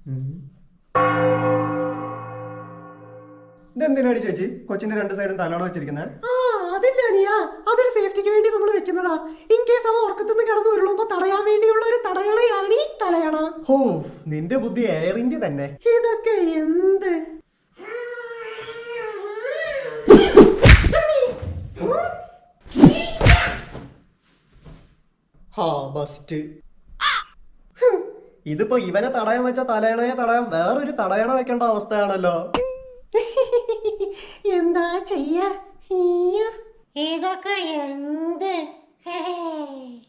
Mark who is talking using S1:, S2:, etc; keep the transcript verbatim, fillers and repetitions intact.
S1: ഇതെന്തിനാണ് ചേച്ചി കൊച്ചിന്റെ രണ്ട് സൈഡും തലയോണ വെച്ചിരിക്കുന്നത്?
S2: ആ അതില്ല അനിയ, അതൊരു സേഫ്റ്റിക്ക് വേണ്ടി നമ്മൾ വെക്കുന്നതാ. ഇൻ കേസ് അവ ഉറക്കത്തുനിന്ന് കിടന്നു ഉരുളുമ്പോ തടയാൻ വേണ്ടിയുള്ള ഒരു തടയണയാണ് ഈ തലയണ.
S1: ഹോ, നിന്റെ ബുദ്ധി എയർ ഇന്ത്യ തന്നെ.
S2: ഇതൊക്കെ എന്ത്?
S1: ഹാ ബസ്റ്റ്. ഇതിപ്പോ ഇവനെ തടയാൻ വെച്ച തലയണയെ തടയാൻ വേറൊരു തടയണ വെക്കേണ്ട അവസ്ഥയാണല്ലോ.
S2: എന്താ ചെയ്യ? ഇതൊക്കെ എന്ത്?